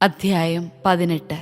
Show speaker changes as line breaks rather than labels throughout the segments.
അധ്യായം 18.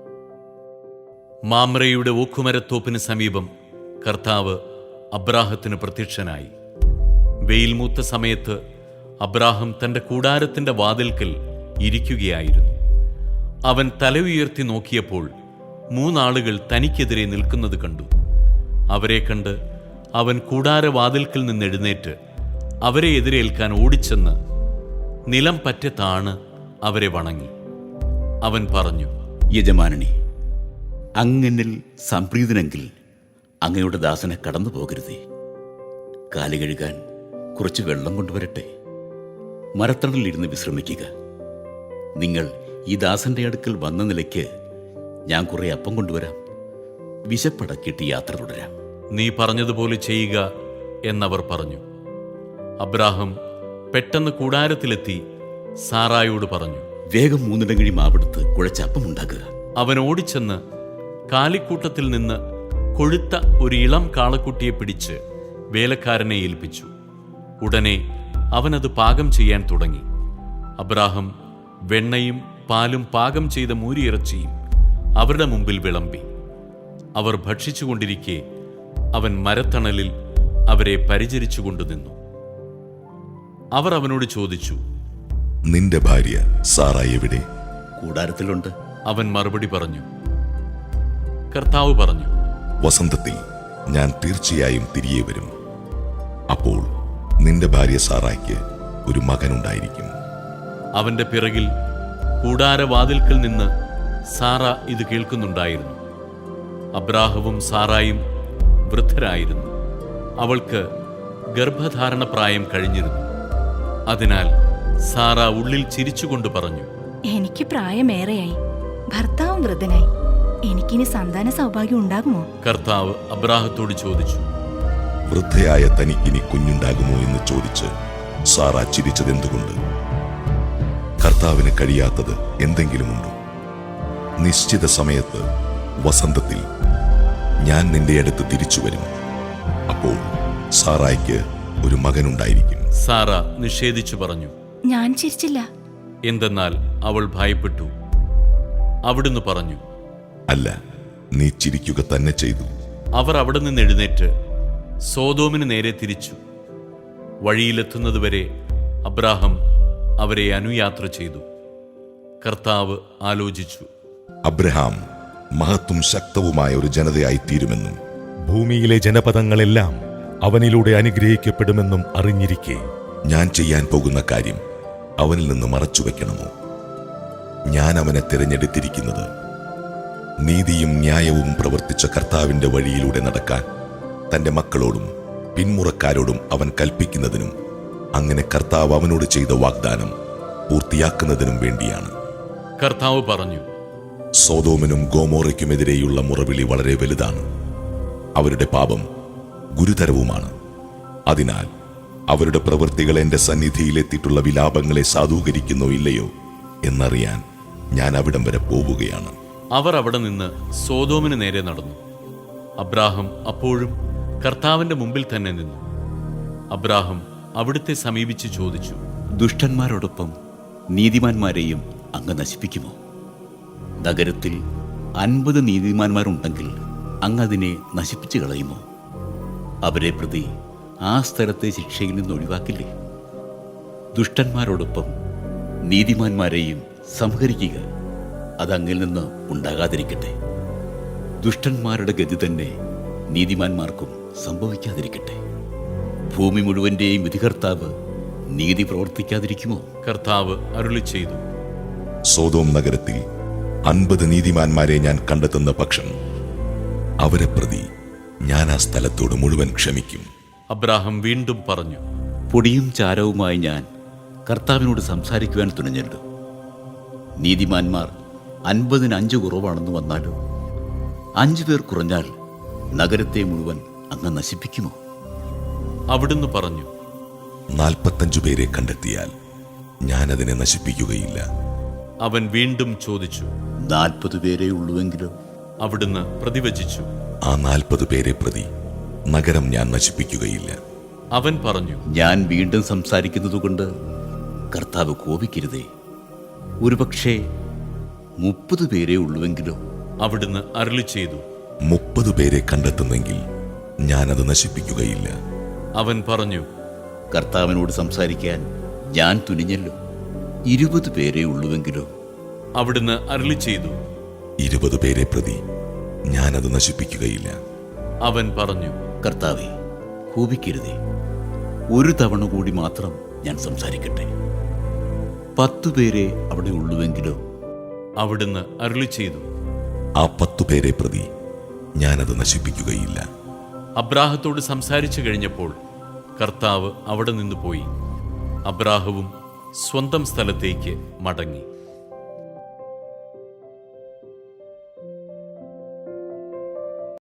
മാമ്രയുടെ ഓക്കുമരത്തോപ്പിന് സമീപം കർത്താവ് അബ്രാഹത്തിന് പ്രത്യക്ഷനായി. വെയിൽ മൂത്ത സമയത്ത് അബ്രാഹം തന്റെ കൂടാരത്തിന്റെ വാതിൽക്കൽ ഇരിക്കുകയായിരുന്നു. അവൻ തല ഉയർത്തി നോക്കിയപ്പോൾ 3 ആളുകൾ തനിക്കെതിരെ നിൽക്കുന്നത് കണ്ടു. അവരെ കണ്ട് അവൻ കൂടാരവാതിൽക്കൽ നിന്ന് എഴുന്നേറ്റ് അവരെ എതിരേൽക്കാൻ ഓടിച്ചെന്ന് നിലം പറ്റെ താണ് അവരെ വണങ്ങി. അവൻ പറഞ്ഞു,
യജമാനനെ, അങ്ങനിൽ സംപ്രീതനെങ്കിൽ അങ്ങയുടെ ദാസനെ കടന്നു പോകരുതേ. കാല് കഴുകാൻ കുറച്ച് വെള്ളം കൊണ്ടുവരട്ടെ. മരത്തണലിരുന്ന് വിശ്രമിക്കുക. നിങ്ങൾ ഈ ദാസന്റെ അടുക്കൽ വന്ന നിലയ്ക്ക് ഞാൻ കുറെ അപ്പം കൊണ്ടുവരാം. വിശപ്പടക്കിയിട്ട് യാത്ര തുടരാം.
നീ പറഞ്ഞതുപോലെ ചെയ്യുക എന്നവർ പറഞ്ഞു. അബ്രാഹം പെട്ടെന്ന് കൂടാരത്തിലെത്തി സാറായോട് പറഞ്ഞു,
വേഗം 3 ഇടങ്ങഴി മാവെടുത്ത് കുഴച്ചപ്പം ഉണ്ടാക്കുക.
അവൻ ഓടിച്ചെന്ന് കാലിക്കൂട്ടത്തിൽ നിന്ന് കൊഴുത്ത ഒരു ഇളം കാളക്കുട്ടിയെ പിടിച്ച് വേലക്കാരനെ ഏൽപ്പിച്ചു. ഉടനെ അവനത് പാകം ചെയ്യാൻ തുടങ്ങി. അബ്രാഹം വെണ്ണയും പാലും പാകം ചെയ്ത മൂരിയിറച്ചിയും അവരുടെ മുമ്പിൽ വിളമ്പി. അവർ ഭക്ഷിച്ചുകൊണ്ടിരിക്കെ അവൻ മരത്തണലിൽ അവരെ പരിചരിച്ചുകൊണ്ടു നിന്നു. അവർ അവനോട് ചോദിച്ചു,
നിന്റെ ഭാര്യ സാറായി എവിടെ?
കൂടാരത്തിലുണ്ട്.
അവൻ മറുപടി പറഞ്ഞു. കർത്താവ് പറഞ്ഞു,
വസന്തത്തിൽ ഞാൻ തീർച്ചയായും തിരികെ വരും. അപ്പോൾ നിന്റെ ഭാര്യ സാറായ്ക്ക് ഒരു മകനുണ്ടായിരിക്കും.
അവന്റെ പിറകിൽ കൂടാരവാതിൽക്കൽ നിന്ന് സാറ ഇത് കേൾക്കുന്നുണ്ടായിരുന്നു. അബ്രാഹവും സാറായും വൃദ്ധരായിരുന്നു. അവൾക്ക് ഗർഭധാരണ പ്രായം കഴിഞ്ഞിരുന്നു. അതിനാൽ സാറ ഉള്ളിൽ ചിരിച്ചുകൊണ്ട് പറഞ്ഞു,
എനിക്ക് പ്രായമേറെയായി, ഭർത്താവും വൃദ്ധനായി, എനിക്കിനി സന്താന സൗഭാഗ്യം ഉണ്ടാകുമോ?
കർത്താവ് അബ്രാഹത്തോട് ചോദിച്ചു,
വൃദ്ധയായ തനിക്കിനി കുഞ്ഞുണ്ടാകുമോ എന്ന് ചോദിച്ച് സാറ ചിരിച്ചതെന്തുകൊണ്ട്? കർത്താവിന് കഴിയാത്തത് എന്തെങ്കിലുമുണ്ടോ? നിശ്ചിത സമയത്ത് വസന്തത്തിൽ ഞാൻ നിന്റെ അടുത്ത് തിരിച്ചു വരും. അപ്പോൾ സാറായ്ക്ക് ഒരു മകനുണ്ടായിരിക്കും.
സാറ നിഷേധിച്ചു പറഞ്ഞു.
ഞാൻ ചിരിച്ചില്ല.
എന്തെന്നാൽ അവൾ ഭയപ്പെട്ടു. അവിടുന്ന് പറഞ്ഞു,
അല്ല, നീ ചിരിക്കുക തന്നെ ചെയ്തു.
അവർ അവിടെ നിന്ന് എഴുന്നേറ്റ് സോദോമിന് നേരെ തിരിച്ചു. വഴിയിലെത്തുന്നതുവരെ അബ്രാഹം അവരെ അനുയാത്ര ചെയ്തു. കർത്താവ് ആലോചിച്ചു,
അബ്രഹാം മഹത്തും ശക്തവുമായ ഒരു ജനതയായി തീരുമെന്നും
ഭൂമിയിലെ ജനപദങ്ങളെല്ലാം അവനിലൂടെ അനുഗ്രഹിക്കപ്പെടുമെന്നും അറിഞ്ഞിരിക്കെ
ഞാൻ ചെയ്യാൻ പോകുന്ന കാര്യം അവനിൽ നിന്ന് മറച്ചുവെക്കണമോ? ഞാൻ അവനെ തിരഞ്ഞെടുത്തിരിക്കുന്നത് നീതിയും ന്യായവും പ്രവർത്തിച്ച കർത്താവിന്റെ വഴിയിലൂടെ നടക്കാൻ തന്റെ മക്കളോടും പിന്മുറക്കാരോടും അവൻ കൽപ്പിക്കുന്നതിനും അങ്ങനെ കർത്താവ് അവനോട് ചെയ്ത വാഗ്ദാനം പൂർത്തിയാക്കുന്നതിനും വേണ്ടിയാണ്.
കർത്താവ് പറഞ്ഞു,
സോദോമിനും ഗോമോറയ്ക്കുമെതിരെയുള്ള മുറവിളി വളരെ വലുതാണ്. അവരുടെ പാപം ഗുരുതരവുമാണ്. അതിനാൽ അവരുടെ പ്രവൃത്തികൾ എന്റെ സന്നിധിയിലെത്തിയിട്ടുള്ള വിലാപങ്ങളെ സാധൂകരിക്കുന്നോ ഇല്ലയോ എന്നറിയാൻ ഞാൻ അവിടം വരെ പോവുകയാണ്.
അവർ അവിടെ നിന്ന് സോദോമിന് നേരെ നടന്നു. അബ്രാഹം അപ്പോഴും കർത്താവിന്റെ മുമ്പിൽ തന്നെ നിന്നു. അബ്രാഹം അവിടുത്തെ സമീപിച്ച് ചോദിച്ചു,
ദുഷ്ടന്മാരോടൊപ്പം നീതിമാന്മാരെയും അങ്ങ് നശിപ്പിക്കുമോ? നഗരത്തിൽ 50 നീതിമാന്മാരുണ്ടെങ്കിൽ അങ്ങ് അതിനെ നശിപ്പിച്ചു കളയുമോ? അവരെ പ്രതി ആ സ്ഥലത്തെ ശിക്ഷയിൽ നിന്ന് ഒഴിവാക്കില്ലേ? ദുഷ്ടന്മാരോടൊപ്പം നീതിമാന്മാരെയും സംഹരിക്കുക. അതങ്ങിൽ നിന്ന് ഉണ്ടാകാതിരിക്കട്ടെ. ദുഷ്ടന്മാരുടെ ഗതി തന്നെ നീതിമാന്മാർക്കും സംഭവിക്കാതിരിക്കട്ടെ. ഭൂമി മുഴുവന്റെയും വിധികർത്താവ് നീതി പ്രവർത്തിക്കാതിരിക്കുമോ?
കർത്താവ് അരുളി ചെയ്തു,
സോദോം നഗരത്തിൽ 50 നീതിമാന്മാരെ ഞാൻ കണ്ടെത്തുന്ന പക്ഷം അവരെ പ്രതി ഞാൻ ആ സ്ഥലത്തോട് മുഴുവൻ ക്ഷമിക്കും.
അബ്രാഹം വീണ്ടും പറഞ്ഞു,
പൊടിയും ചാരവുമായി ഞാൻ കർത്താവിനോട് സംസാരിക്കുവാൻ തുനിഞ്ഞല്ലോ. നീതിമാന്മാർ 50-ന് 5 കുറവാണെന്ന് വന്നാലോ? 5 പേർ കുറഞ്ഞാൽ നഗരത്തെ മുഴുവൻ അങ്ങ് നശിപ്പിക്കുമോ?
അവിടുന്ന് പറഞ്ഞു,
45 പേരെ കണ്ടെത്തിയാൽ ഞാൻ അതിനെ നശിപ്പിക്കുകയില്ല.
അവൻ വീണ്ടും ചോദിച്ചു,
40 പേരേ ഉള്ളുവെങ്കിലോ?
അവിടുന്ന് പ്രതിവചിച്ചു,
ആ 40 പേരെ പ്രതി നഗരം ഞാൻ നശിപ്പിക്കുകയില്ല.
അവൻ പറഞ്ഞു,
ഞാൻ വീണ്ടും സംസാരിക്കുന്നതുകൊണ്ട് കർത്താവ് കോപിക്കരുതേ. ഒരുപക്ഷേ 30 പേരേ ഉള്ളുവെങ്കിലോ?
അവിടുന്ന് അരുളി ചെയ്തു,
30 പേരെ കണ്ടെത്തുന്നെങ്കിൽ ഞാനത് നശിപ്പിക്കുകയില്ല.
അവൻ പറഞ്ഞു,
കർത്താവിനോട് സംസാരിക്കാൻ ഞാൻ തുനിഞ്ഞല്ലോ. 20 പേരേ ഉള്ളുവെങ്കിലോ?
അവിടുന്ന് അരുളി ചെയ്തു,
20 പേരെ പ്രതി ഞാനത് നശിപ്പിക്കുകയില്ല.
അവൻ പറഞ്ഞു,
കർത്താവേ, കോപിക്കരുതേ. ഒരു തവണ കൂടി മാത്രം ഞാൻ സംസാരിക്കട്ടെ. 10 പേരെ അവിടെ ഉള്ളുവെങ്കിലോ?
അവിടുന്ന് അരുളി ചെയ്തു,
ആ 10 പേരെ പ്രതി ഞാനത് നശിപ്പിക്കുകയില്ല.
അബ്രാഹത്തോട് സംസാരിച്ചു കഴിഞ്ഞപ്പോൾ കർത്താവ് അവിടെ നിന്ന് പോയി. അബ്രാഹവും സ്വന്തം സ്ഥലത്തേക്ക് മടങ്ങി.